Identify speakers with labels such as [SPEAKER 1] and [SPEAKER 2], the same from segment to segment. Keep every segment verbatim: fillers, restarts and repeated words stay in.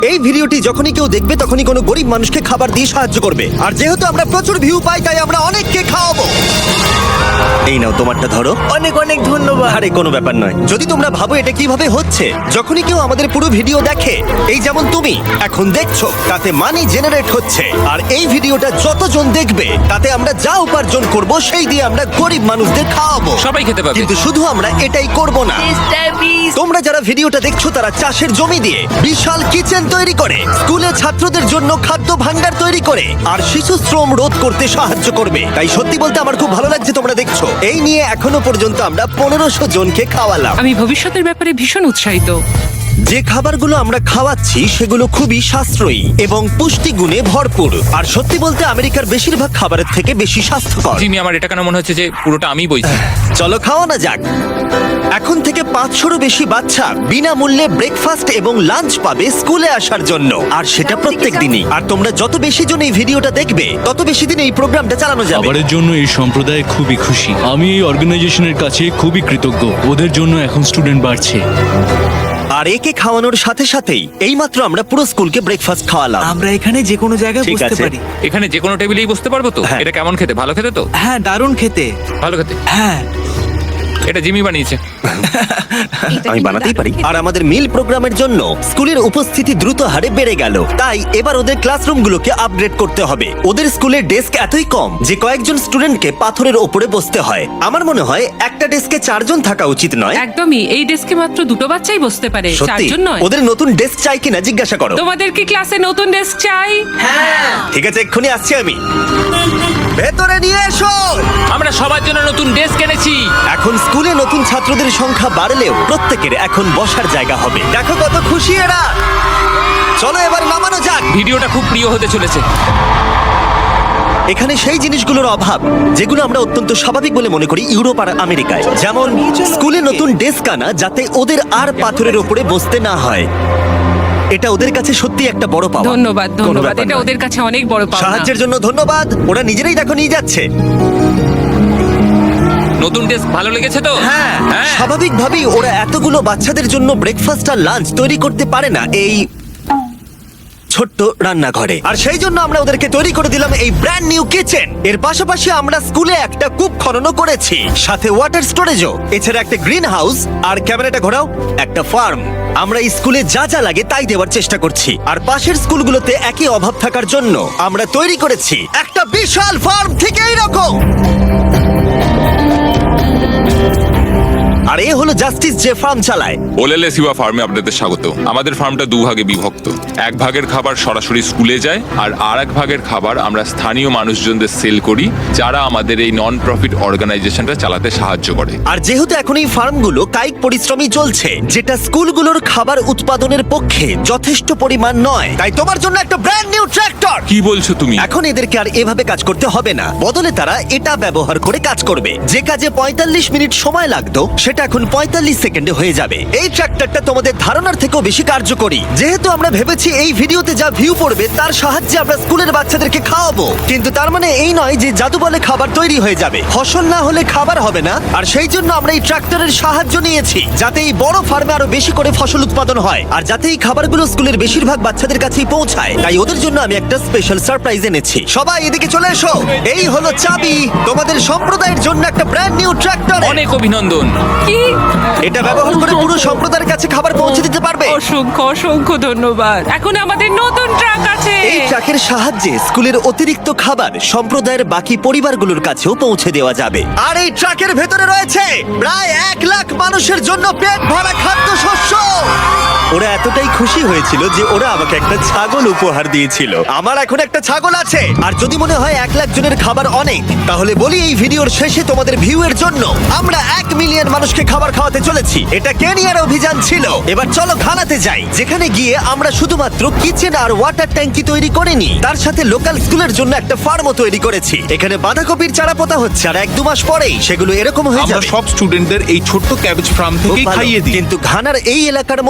[SPEAKER 1] এই ভিডিওটি যখনই কেউ দেখবে তখনই কোনো গরিব মানুষকে খাবার দিয়ে সাহায্য করবে। আর যেহেতু আমরা প্রচুর ভিউ পাই তাই আমরা অনেককে খাওয়াবো। এই নাও তোমারটা ধরো।
[SPEAKER 2] অনেক অনেক ধন্যবাদ।
[SPEAKER 1] আরে কোনো ব্যাপার নয়। যদি তোমরা ভাবো এটা কিভাবে হচ্ছে, যখনই কেউ আমাদের পুরো ভিডিও দেখে, এই যেমন তুমি এখন দেখছো, তাতে মানি জেনারেট হচ্ছে। আর এই ভিডিওটা যতজন দেখবে তাতে আমরা যা উপার্জন করব সেই দিয়ে আমরা গরিব মানুষদের খাওয়াবো।
[SPEAKER 3] সবাই খেতে পাবে।
[SPEAKER 1] কিন্তু শুধু আমরা এটাই করব না। তোমরা যারা ভিডিওটা দেখছো তারা চাষের জমি দিয়ে বিশাল কিচেন তৈরি করে, স্কুলে ছাত্রদের জন্য খাদ্য ভাণ্ডার তৈরি করে, আর শিশু শ্রম রোধ করতে সাহায্য করবে। তাই সত্যি বলতে আমার খুব ভালো লাগছে তোমরা দেখছো। এই নিয়ে এখনো পর্যন্ত আমরা পনেরোশো জনকে খাওয়ালাম।
[SPEAKER 4] আমি ভবিষ্যতের ব্যাপারে ভীষণ উৎসাহিত।
[SPEAKER 1] যে খাবারগুলো আমরা খাওয়াচ্ছি সেগুলো খুবই সাশ্রয়ী এবং পুষ্টিগুণে ভরপুর। আর সত্যি বলতে আমেরিকার বেশিরভাগ খাবারের থেকে বেশি স্বাস্থ্যকর।
[SPEAKER 3] জিমি, আমার এটা কেন মনে হচ্ছে যে পুরোটা আমি বইছি।
[SPEAKER 1] চলো খাওয়ানো যাক। এখন থেকে পাঁচশোরও বেশি বাচ্চা বিনামূল্যে ব্রেকফাস্ট এবং লাঞ্চ পাবে স্কুলে আসার জন্য, আর সেটা প্রত্যেক দিনই। আর তোমরা যত বেশি জন এই ভিডিওটা দেখবে তত বেশি দিন এই প্রোগ্রামটা চালানো যাবে।
[SPEAKER 5] খাবারের জন্য এই সম্প্রদায় খুবই খুশি। আমি এই অর্গানাইজেশনের কাছে খুবই কৃতজ্ঞ। ওদের জন্য এখন স্টুডেন্ট বাড়ছে।
[SPEAKER 1] আর একে খাওয়ানোর সাথে সাথেই এইমাত্র আমরা পুরো স্কুলকে ব্রেকফাস্ট খাওয়ালাম।
[SPEAKER 2] আমরা এখানে যে কোনো জায়গায়
[SPEAKER 1] ঠিক
[SPEAKER 2] বসতে
[SPEAKER 1] আছে।
[SPEAKER 2] পারি।
[SPEAKER 3] এখানে যে কোনো টেবিলেই বসতে পারবো তো?
[SPEAKER 1] হ্যাঁ।
[SPEAKER 3] এটা কেমন খেতে? ভালো খেতে তো?
[SPEAKER 2] হ্যাঁ, দারুণ খেতে।
[SPEAKER 3] ভালো খেতে।
[SPEAKER 2] হ্যাঁ,
[SPEAKER 3] এটা জিমি বানিয়েছে।
[SPEAKER 1] আমি বানাতেই পারি। আর আমাদের মিল প্রোগ্রামের জন্য স্কুলের উপস্থিতি দ্রুত হারে বেড়ে গেল। তাই এবার ওদের ক্লাসরুমগুলোকে আপগ্রেড করতে হবে। ওদের স্কুলের ডেস্ক এতই কম যে কয়েকজন স্টুডেন্টকে পাথরের ওপরে বসতে হয়। আমার মনে হয় একটা ডেস্কে চারজন থাকা উচিত নয়।
[SPEAKER 4] একদমই, এই ডেস্কে মাত্র দুটো বাচ্চাই বসতে পারে,
[SPEAKER 1] সত্যি
[SPEAKER 4] চারজন নয়।
[SPEAKER 1] ওদের নতুন ডেস্ক চাই কিনা জিজ্ঞাসা করো।
[SPEAKER 4] তোমাদের কি ক্লাসে নতুন ডেস্ক চাই?
[SPEAKER 1] ঠিক আছে, এক্ষুনি আসছি আমি। ভেতরে নিয়ে এসো।
[SPEAKER 3] আমরা সবার জন্য নতুন ডেস্ক এনেছি।
[SPEAKER 1] এখন স্কুলে নতুন ছাত্রদের সংখ্যা বাড়লেও প্রত্যেকের এখন বসার জায়গা হবে। দেখো কত খুশি এরা। চলো এবার নামানো যাক।
[SPEAKER 3] ভিডিওটা খুব প্রিয় হতে চলেছে।
[SPEAKER 1] এখানে সেই জিনিসগুলোর অভাব যেগুলো আমরা অত্যন্ত স্বাভাবিক বলে মনে করি ইউরোপ আর আমেরিকায়, যেমন স্কুলে নতুন ডেস্ক আনা যাতে ওদের আর পাথরের উপরে বসতে না হয়। এটা ওদের কাছে সত্যি একটা বড় পাওয়া।
[SPEAKER 4] ধন্যবাদ,
[SPEAKER 1] কোনো
[SPEAKER 4] ধন্যবাদ।
[SPEAKER 1] ব্যাপার
[SPEAKER 4] এটা
[SPEAKER 1] নয়।
[SPEAKER 4] ওদের কাছে অনেক বড় পাওনা।
[SPEAKER 1] সাহায্যের জন্য ধন্যবাদ। ওরা নিজেরাই দেখো নিয়ে যাচ্ছে।
[SPEAKER 3] নতুন ডেস্ক ভালো লেগেছে তো?
[SPEAKER 1] হ্যাঁ,
[SPEAKER 3] হ্যাঁ।
[SPEAKER 1] স্বাভাবিকভাবেই ওরা এতগুলো বাচ্চাদের জন্য ব্রেকফাস্ট আর লাঞ্চ তৈরি করতে পারে না এই ছোট্ট রান্নাঘরে। আর সেই জন্য আমরা ওদেরকে তৈরি করে দিলাম এই ব্র্যান্ড নিউ কিচেন। এর পাশাপাশি আমরা স্কুলে একটা কূপ খননও করেছি, সাথে ওয়াটার স্টোরেজও। এছাড়া একটা গ্রিন হাউস, আর ক্যামেরাটা ঘোরাও, একটা ফার্ম। আমরা এই স্কুলে যা যা লাগে তাই দেওয়ার চেষ্টা করছি। আর পাশের স্কুলগুলোতে একই অভাব থাকার জন্য আমরা তৈরি করেছি একটা বিশাল ফার্ম থেকে এইরকম। আর এ হলো জাস্টিস যে ফার্ম চালায়।
[SPEAKER 6] ওলেলে সিবা ফার্মে আপনাদের স্বাগত। আমাদের ফার্মটা দুভাগে বিভক্ত। এক ভাগের খাবার সরাসরি স্কুলে যায়, আর আর এক ভাগের খাবার আমরা স্থানীয় মানুষজনদের সেল করি, যারা আমাদের এই নন প্রফিট অর্গানাইজেশনটা চালাতে সাহায্য করে।
[SPEAKER 1] আর যেহেতু এখন এই ফার্মগুলো কায়িক পরিশ্রমই চলছে, যেটা স্কুলগুলোর খাবার উৎপাদনের পক্ষে যথেষ্ট পরিমাণ নয়, তাই তোমার জন্য একটা ব্র্যান্ড নিউ ট্র্যাক্টর।
[SPEAKER 6] কি বলছো তুমি?
[SPEAKER 1] এখন এদেরকে আর এভাবে কাজ করতে হবে না, বদলে তারা এটা ব্যবহার করে কাজ করবে। যে কাজে পঁয়তাল্লিশ মিনিট সময় লাগতো সেটা এখন পঁয়তাল্লিশ সেকেন্ডে হয়ে যাবে। এই ট্র্যাক্টরটা তোমাদের ধারণার থেকেও বেশি কার্যকরী। যেহেতু আমরা ভেবেছি এই ভিডিওতে যা ভিউ পড়বে তার সাহায্যে আমরা স্কুলের বাচ্চাদেরকে খাওয়াবো, কিন্তু তার মানে এই নয় যে জাদু বলে খাবার তৈরি হয়ে যাবে। ফসল না হলে খাবার হবে না। আর সেই জন্য আমরা এই ট্র্যাক্টরের সাহায্য নিয়েছি, যাতে এই বড় ফার্মে আরো বেশি করে ফসল উৎপাদন হয়, আর যাতে এই খাবারগুলো স্কুলের বেশিরভাগ বাচ্চাদের কাছেই পৌঁছায়। তাই ওদের জন্য আমি একটা স্পেশাল সারপ্রাইজ এনেছি। সবাই এদিকে চলে এসো। এই হলো চাবি তোমাদের সম্প্রদায়ের জন্য একটা ব্র্যান্ড নিউ ট্র্যাক্টর।
[SPEAKER 3] অনেক অভিনন্দন।
[SPEAKER 4] কি?
[SPEAKER 1] এটা ব্যবহার করে পুরো সম্প্রদায়ের কাছে খাবার পৌঁছে দিতে পারবে।
[SPEAKER 4] অসংখ্য অসংখ্য ধন্যবাদ। এখন আমাদের নতুন ট্রাক আছে।
[SPEAKER 1] এই ট্রাকের সাহায্যে স্কুলের অতিরিক্ত খাবার সম্প্রদায়ের বাকি পরিবারগুলোর কাছেও পৌঁছে দেওয়া যাবে। আর এই ট্রাকের ভেতরে রয়েছে প্রায় এক লাখ মানুষের জন্য পেট ভরা খাদ্যশস্য। ওরা এতটাই খুশি হয়েছিল যে ওরা আমাকে একটা ছাগল উপহার দিয়েছিল। আমার এখন একটা ছাগল আছে। আর যদি মনে হয় এক লাখ জনের খাবার অনেক, তাহলে বলি এই ভিডিওর শেষে তোমাদের ভিউ এর জন্য আমরা এক মিলিয়ন মানুষকে খাবার খাওয়াতে চলেছি। এটা কেনিয়ার অভিযান ছিল। এবার চলো ঘানাতে যাই, যেখানে গিয়ে আমরা শুধুমাত্র কিচেন আর ওয়াটার ট্যাঙ্কি তৈরি করিনি, তার সাথে লোকাল স্কুলের জন্য একটা ফার্মও তৈরি করেছি। এখানে বাঁধাকপির চারা পোতা হচ্ছে, আর এক দু মাস পরেই সেগুলো এরকম হয়ে
[SPEAKER 7] আমরা
[SPEAKER 1] যাবে।
[SPEAKER 7] সব স্টুডেন্টদের এই ছোট্ট ক্যাবেজ ফার্ম
[SPEAKER 1] খুব
[SPEAKER 7] থেকেই
[SPEAKER 1] ভালো।
[SPEAKER 7] খাইয়ে দিই।
[SPEAKER 1] কিন্তু ঘানার এই এলাকার মতো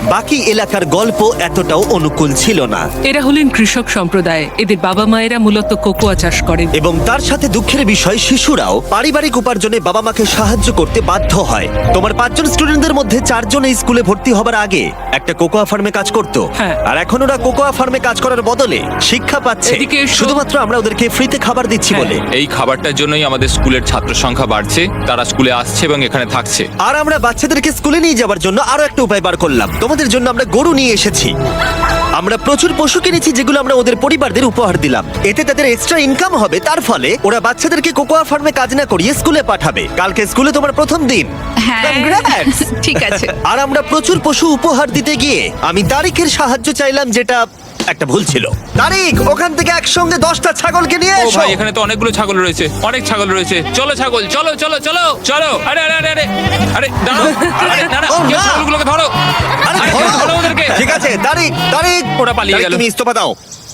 [SPEAKER 1] বাকি এলাকার গল্প এতটাও অনুকূল ছিল না।
[SPEAKER 4] এরা হলেন কৃষক সম্প্রদায়। এদের বাবা মায়েরা মূলত কোকোয়া চাষ করেন।
[SPEAKER 1] এবং তার সাথে দুঃখের বিষয়, শিশুরাও পারিবারিক উপার্জনে বাবা মাকে সাহায্য করতে বাধ্য হয়। তোমার পাঁচজন স্টুডেন্টদের মধ্যে চারজন এই স্কুলে ভর্তি হবার আগে একটা কোকোয়া ফার্মে কাজ করত,
[SPEAKER 4] হ্যাঁ।
[SPEAKER 1] আর এখন ওরা কোকোয়া ফার্মে কাজ করার বদলে শিক্ষা পাচ্ছে
[SPEAKER 4] এদিকে এসো।
[SPEAKER 1] শুধুমাত্র আমরা ওদেরকে ফ্রিতে খাবার দিচ্ছি
[SPEAKER 4] হ্যাঁ।
[SPEAKER 1] বলে।
[SPEAKER 6] এই খাবারটার জন্যই আমাদের স্কুলের ছাত্র সংখ্যা বাড়ছে, তারা স্কুলে আসছে এবং এখানে থাকছে।
[SPEAKER 1] আর আমরা বাচ্চাদেরকে স্কুলে নিয়ে যাওয়ার জন্য আরো একটা উপায় বার করলাম। তোমাদের জন্য আমরা গরু নিয়ে এসেছি। আমরা প্রচুর পশু কিনেছি যেগুলো আমরা ওদের পরিবারদের উপহার দিলাম। এতে তাদের এক্সট্রা ইনকাম হবে, তার ফলে ওরা বাচ্চাদেরকে কোকোয়া ফার্মে কাজ না করিয়ে স্কুলে পাঠাবে। কালকে স্কুলে তোমার প্রথম দিন।
[SPEAKER 7] হ্যাঁ
[SPEAKER 1] Congrats!
[SPEAKER 7] ঠিক আছে।
[SPEAKER 1] আর আমরা প্রচুর পশু উপহার দিতে গিয়ে আমি তারিখের সাহায্য চাইলাম, যেটা একটা ভুল ছিল। তারিখ, ওখান থেকে একসঙ্গে দশটা ছাগলকে নিয়ে
[SPEAKER 6] ও
[SPEAKER 1] এসো।
[SPEAKER 6] ভাই, এখানে তো অনেকগুলো ছাগল রয়েছে, অনেক ছাগল রয়েছে। চলো ছাগল, চলো চলো চলো চলো। আরে আরে আরে আরে আরে দাঁড়াও, আরে না না,
[SPEAKER 1] ও,
[SPEAKER 6] কেউ
[SPEAKER 1] না।
[SPEAKER 6] ছাগলগুলোকে ধরো।
[SPEAKER 1] আরে
[SPEAKER 6] আরে,
[SPEAKER 1] ধরো।
[SPEAKER 6] ধরো ওদেরকে।
[SPEAKER 1] ঠিক আছে, তারিখ তারিখ
[SPEAKER 6] ওরা পালিয়ে
[SPEAKER 1] তারিখ,
[SPEAKER 6] গেল।
[SPEAKER 1] তুমি ইস্তফা দাও।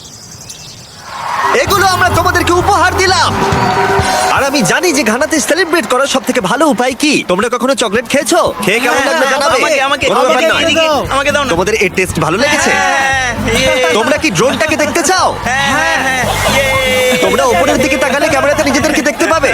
[SPEAKER 1] এগুলো আমরা তোমাদেরকে উপহার দিলাম। আর আমি জানি যে ঘানাতে সেলিব্রেট করার সব থেকে ভালো উপায় কি। তোমরা কখনো চকলেট খেয়েছো? খেয়ে কেমন
[SPEAKER 2] হ্যাঁ,
[SPEAKER 1] লাগলো জানাবে।
[SPEAKER 2] আমাকে আমাকে
[SPEAKER 1] কোনো ব্যাপার
[SPEAKER 2] আমাকে
[SPEAKER 1] নয়।
[SPEAKER 2] এদিকে, আমাকে দাও না।
[SPEAKER 1] তোমাদের এর টেস্ট ভালো লেগেছে?
[SPEAKER 2] হ্যাঁ, ইয়ে।
[SPEAKER 1] তোমরা কি ড্রোনটাকে দেখতে চাও?
[SPEAKER 2] হ্যাঁ, হ্যাঁ, হ্যাঁ, ইয়ে।
[SPEAKER 1] তোমরা উপরের দিকে তাকালে ক্যামেরাতে নিজেদেরকে দেখতে পাবে।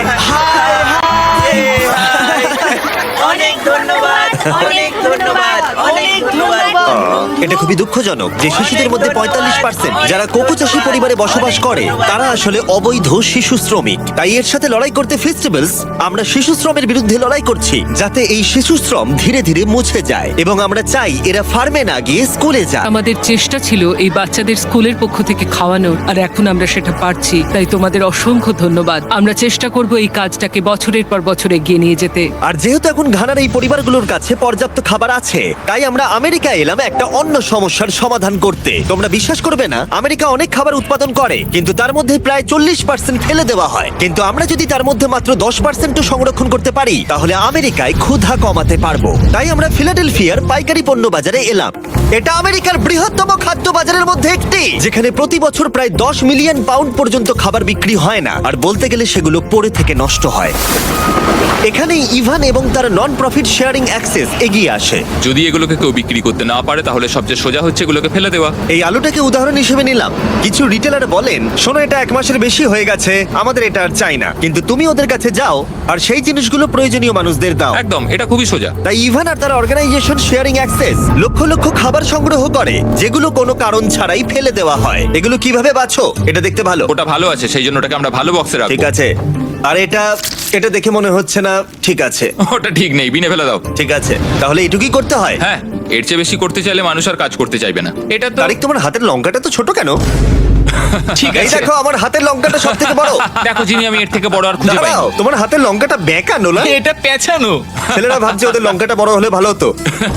[SPEAKER 2] অনেক ধন্যবাদ, অনেক ধন্যবাদ, অনেক ধন্যবাদ।
[SPEAKER 1] এটা খুবই দুঃখজনক যে শিশুদের মধ্যে পঁয়তাল্লিশ পার্সেন্ট যারা কোকো চাষী পরিবারে বসবাস করে তারা আসলে অবৈধ শিশু শ্রমিক। তাই এর সাথে লড়াই করতে ফেস্টিভ্যালস আমরা শিশু শ্রমের বিরুদ্ধে লড়াই করছি, যাতে এই শিশু শ্রম ধীরে ধীরে মুছে যায়। এবং আমরা চাই এরা ফার্মে না গিয়ে স্কুলে যায়।
[SPEAKER 4] আমাদের চেষ্টা ছিল এই বাচ্চাদের স্কুলের পক্ষ থেকে খাওয়ানোর, আর এখন আমরা সেটা পারছি। তাই তোমাদের অসংখ্য ধন্যবাদ। আমরা চেষ্টা করব এই কাজটাকে বছরের পর বছর এগিয়ে নিয়ে যেতে।
[SPEAKER 1] আর যেহেতু এখন ঘানার এই পরিবারগুলোর কাছে পর্যাপ্ত খাবার আছে, তাই আমরা আমেরিকা এলাম একটা অন্য সমস্যার সমাধান করতে। তোমরা বিশ্বাস করবে না, আমেরিকা অনেক খাবার উৎপাদন করে, কিন্তু তার মধ্যে প্রায় চল্লিশ পার্সেন্ট ফেলে দেওয়া হয়। কিন্তু আমরা যদি তার মধ্যে মাত্র দশ পার্সেন্ট সংরক্ষণ করতে পারি, তাহলে আমেরিকায় ক্ষুধা কমাতে পারবো। তাই আমরা ফিলাডেলফিয়ার পাইকারি পণ্য বাজারে এলাম। এটা আমেরিকার বৃহত্তম খাদ্য বাজারের মধ্যে একটি, যেখানে প্রতি বছর প্রায় দশ মিলিয়ন পাউন্ড পর্যন্ত খাবার বিক্রি হয় না, আর বলতে গেলে সেগুলো পড়ে থেকে নষ্ট হয়। এখানে ইভান এবং তার নন প্রফিট শেয়ারিং অ্যাক্সেস এগিয়ে আসে।
[SPEAKER 6] যদি এগুলোকে কেউ বিক্রি করতে না পারে, তাহলে সবচেয়ে সোজা হচ্ছে এগুলোকে ফেলে দেওয়া।
[SPEAKER 1] এই আলুটাকে উদাহরণ হিসেবে নিলাম। কিছু রিটেলার বলেন, শোনো এটা এক মাসের বেশি হয়ে গেছে, আমাদের এটা আর চাই না। কিন্তু তুমি ওদের কাছে যাও আর সেই জিনিসগুলো প্রয়োজনীয় মানুষদের দাও।
[SPEAKER 6] একদম, এটা খুবই সোজা।
[SPEAKER 1] তাই ইভান আর তার অর্গানাইজেশন শেয়ারিং অ্যাক্সেস লক্ষ লক্ষ খাবার সংগ্রহ করে, যেগুলো কোনো কারণ ছাড়াই ফেলে দেওয়া হয়। এগুলো কিভাবে বাছো? এটা দেখতে ভালো।
[SPEAKER 6] ওটা ভালো আছে, সেই জন্য ওটাকে আমরা ভালো বক্সে
[SPEAKER 1] ঠিক
[SPEAKER 6] রাখবো।
[SPEAKER 1] আছে। আর এটা এটা দেখে মনে হচ্ছে না ঠিক আছে।
[SPEAKER 6] ওটা ঠিক নেই, বিনে ফেলে দাও।
[SPEAKER 1] ঠিক আছে, তাহলে এটুকুই করতে হয়।
[SPEAKER 6] হ্যাঁ, এর চেয়ে বেশি করতে চাইলে মানুষ আর কাজ করতে চাইবে না। এটা তো
[SPEAKER 1] তারিক, তোমার হাতের লঙ্কাটা তো ছোট কেন?
[SPEAKER 6] ঠিক
[SPEAKER 1] এই
[SPEAKER 6] আছে।
[SPEAKER 1] দেখো, আমার হাতের লঙ্কাটা সব থেকে বড়।
[SPEAKER 6] দেখো জিনি, আমি এর থেকে বড় আর খুঁজে পাই
[SPEAKER 1] দাঁড়াও, তোমার হাতের লঙ্কাটা বেঁকানো না?
[SPEAKER 2] এটা পেছানো।
[SPEAKER 1] ছেলেরা ভাবছে ওদের লঙ্কাটা বড় হলে ভালো হতো।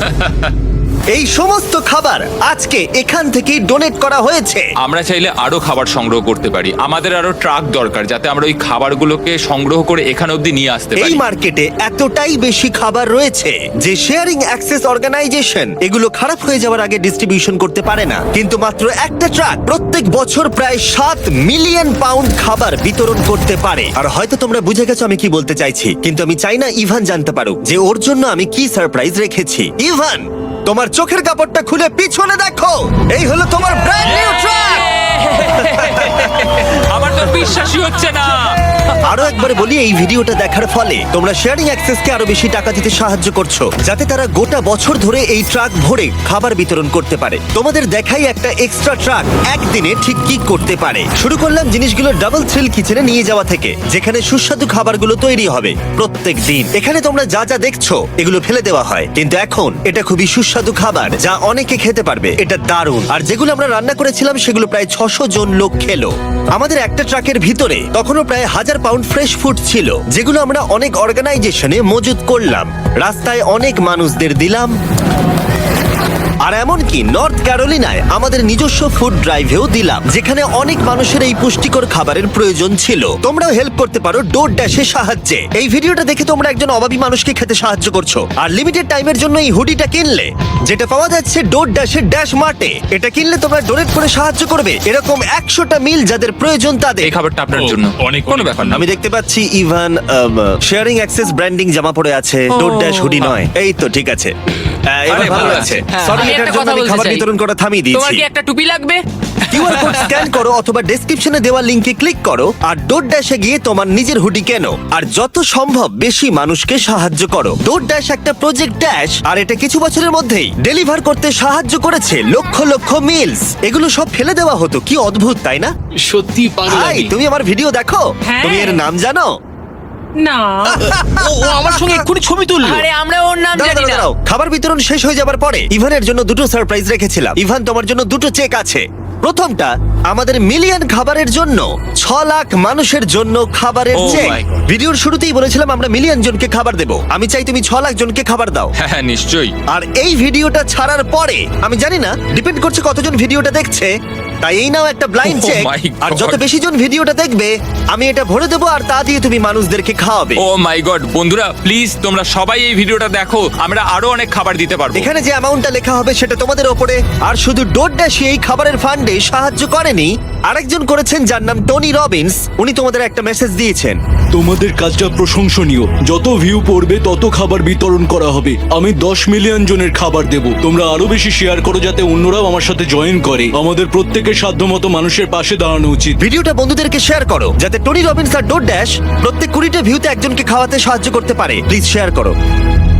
[SPEAKER 1] এই সমস্ত খাবার আজকে এখান থেকেই ডোনেট করা হয়েছে।
[SPEAKER 6] আমরা চাইলে আরো খাবার সংগ্রহ করতে পারি। আমাদের আরো ট্রাক দরকার, যাতে আমরা ওই খাবারগুলোকে সংগ্রহ করে এখানে অবধি নিয়ে আসতে
[SPEAKER 1] এই
[SPEAKER 6] পারি।
[SPEAKER 1] মার্কেটে এতটাই বেশি খাবার রয়েছে যে শেয়ারিং অ্যাক্সেস অর্গানাইজেশন এগুলো খারাপ হয়ে যাওয়ার আগে ডিস্ট্রিবিউশন করতে পারে না। কিন্তু মাত্র একটা ট্রাক প্রত্যেক বছর প্রায় সাত মিলিয়ন পাউন্ড খাবার বিতরণ করতে পারে। আর হয়তো তোমরা বুঝে গেছো আমি কি বলতে চাইছি, কিন্তু আমি চাই না ইভান জানতে পারুক যে ওর জন্য আমি কি সারপ্রাইজ রেখেছি। ইভান, তোমার চোখের কাপড়টা খুলে পিছনে দেখো, এই হলো তোমার ব্র্যান্ড নিউ ট্রাক।
[SPEAKER 3] আমার তো বিশ্বাসই হচ্ছে না।
[SPEAKER 1] আরো একবার বলি, এই ভিডিওটা দেখার ফলে তোমরা শেয়ারিং অ্যাক্সেসকে আরো বেশি টাকা দিতে সাহায্য করছো, যাতে তারা গোটা বছর ধরে এই ট্রাক ভরে খাবার বিতরণ করতে পারে। তোমাদের দেখাই একটা এক্সট্রা ট্রাক একদিনে ঠিক কি করতে পারে। শুরু করলাম জিনিসগুলো ডাবল থ্রিল কিচেনে নিয়ে যাওয়া থেকে, যেখানে সুস্বাদু খাবারগুলো তৈরি হবে প্রত্যেক দিন। এখানে তোমরা যা যা দেখছো এগুলো ফেলে দেওয়া হয়, কিন্তু এখন এটা খুবই সুস্বাদু খাবার যা অনেকে খেতে পারবে। এটা দারুণ। আর যেগুলো আমরা রান্না করেছিলাম সেগুলো প্রায় ছশো জন লোক খেলো। আমাদের একটা ট্রাকের ভিতরে তখনও প্রায় হাজার পাউন্ড ফ্রেশ ফুড ছিল, যেগুলো আমরা অনেক অর্গানাইজেশনে মজুত করলাম। রাস্তায় অনেক মানুষদের দিলাম। আর এমনকি নর্থ ক্যারোলিনায় আমাদের নিজস্ব ফুড ড্রাইভেও দিলাম, যেখানে অনেক মানুষের এই পুষ্টিকর খাবারের প্রয়োজন ছিল। তোমরাও হেল্প করতে পারো ডোর ড্যাশের সাহায্যে। এই ভিডিওটা দেখে তোমরা একজন অভাবী মানুষকে খেতে সাহায্য করছো। আর লিমিটেড টাইমের জন্য এই হুডিটা কিনলে, যেটা পাওয়া যাচ্ছে ডোর ড্যাশের ড্যাশ মার্টে, এটা কিনলে তোমরা ডোনেট করে সাহায্য করবে এরকম একশোটা মিল যাদের প্রয়োজন তাদের।
[SPEAKER 6] এই খাবারটা আপনার
[SPEAKER 5] ও,
[SPEAKER 6] জন্য।
[SPEAKER 5] অনেক
[SPEAKER 6] কোনো ব্যাপার না।
[SPEAKER 1] আমি দেখতে পাচ্ছি ইভান শেয়ারিং অ্যাক্সেস ব্র্যান্ডিং জামা পরে আছে, ডোর ড্যাশ হুডি নয়। এই তো ঠিক আছে। আহ, এবার
[SPEAKER 6] আরে,
[SPEAKER 1] ভালো
[SPEAKER 6] ভালো
[SPEAKER 1] লাগছে।
[SPEAKER 6] আছে।
[SPEAKER 1] Sorry, এটার
[SPEAKER 4] একটা
[SPEAKER 1] জন্য
[SPEAKER 4] কথা
[SPEAKER 1] আমি
[SPEAKER 4] বলতে
[SPEAKER 1] খাবার
[SPEAKER 4] চাই।
[SPEAKER 1] বিতরণ করা থামিয়ে
[SPEAKER 4] তোমার
[SPEAKER 1] দিয়েছি।
[SPEAKER 4] কি একটা টুপি লাগবে?
[SPEAKER 1] কিউআর কোড স্ক্যান করো অথবা ডেসক্রিপশনে দেওয়া লিংকে ক্লিক করো আর ডোর ড্যাশে গিয়ে তোমার নিজের হুডি কেনো আর যত সম্ভব বেশি মানুষকে সাহায্য করো। ডোর ড্যাশ একটা প্রজেক্ট ড্যাশ আর এটা কিছু বছরের মধ্যেই ডেলিভার করতে সাহায্য করেছে লক্ষ লক্ষ মিলস। এগুলো সব ফেলে দেওয়া হতো, কি অদ্ভুত তাই না?
[SPEAKER 5] সত্যি পাগল
[SPEAKER 1] ভাই
[SPEAKER 5] আমি।
[SPEAKER 1] তুমি আমার ভিডিও দেখো,
[SPEAKER 4] হ্যাঁ।
[SPEAKER 1] তুমি এর নাম জানো?
[SPEAKER 4] না।
[SPEAKER 2] ও ও আমার সঙ্গে এক্ষুনি ছবি তুললো।
[SPEAKER 4] আরে আমরা ওর নাম
[SPEAKER 1] দাঁড়াও,
[SPEAKER 4] জানি
[SPEAKER 1] দাঁড়াও,
[SPEAKER 4] না।
[SPEAKER 1] দাঁড়াও। খাবার বিতরণ শেষ হয়ে যাবার পরে ইভানের জন্য দুটো সারপ্রাইজ রেখেছিলাম। ইভান, তোমার জন্য দুটো চেক আছে। প্রথমটা আমাদের মিলিয়ন খাবারের জন্য ছ লাখ মানুষের জন্য খাবারের
[SPEAKER 6] Oh
[SPEAKER 1] চেক।
[SPEAKER 6] my God.
[SPEAKER 1] ভিডিওর শুরুতেই বলেছিলাম আমরা মিলিয়ন জনকে খাবার দেব। আমি চাই তুমি ছ লাখ জনকে খাবার দাও।
[SPEAKER 6] হ্যাঁ হ্যাঁ নিশ্চয়ই।
[SPEAKER 1] আর এই ভিডিওটা ছাড়ার পরে আমি জানি না, ডিপেন্ড করছে কতজন ভিডিওটা দেখছে, তাই এই নাও একটা ব্লাইন্ড
[SPEAKER 6] Oh
[SPEAKER 1] চেক।
[SPEAKER 6] my
[SPEAKER 1] আর
[SPEAKER 6] God.
[SPEAKER 1] যত বেশি জন ভিডিওটা দেখবে আমি এটা ভরে দেবো আর তা দিয়ে তুমি মানুষদেরকে খাওয়াবে।
[SPEAKER 6] ও মাই গড, বন্ধুরা প্লিজ তোমরা সবাই এই ভিডিওটা দেখো, আমরা আরো অনেক খাবার দিতে পারবো।
[SPEAKER 1] এখানে যে অ্যামাউন্টটা লেখা হবে সেটা তোমাদের ওপরে। আর শুধু ডোরড্যাশই এই খাবারের ফান্ডে সাহায্য করেনি, আরেকজন করেছেন যার নাম টনি রবিন্স। উনি তোমাদের একটা মেসেজ দিয়েছেন।
[SPEAKER 5] তোমাদের কাজটা প্রশংসনীয়। যত ভিউ পড়বে তত খাবার বিতরণ করা হবে। আমি দশ মিলিয়ন জনের খাবার দেব। তোমরা আরো বেশি শেয়ার করো যাতে অন্যরাও আমার সাথে জয়েন করে। আমাদের প্রত্যেকের সাধ্যমতো মানুষের পাশে দাঁড়ানো উচিত।
[SPEAKER 1] ভিডিওটা বন্ধুদেরকে শেয়ার করো যাতে টনি রবিন্স আর ডোরড্যাশ প্রত্যেক কুড়িটা ভিউতে একজনকে খাওয়াতে সাহায্য করতে পারে। প্লিজ শেয়ার করো।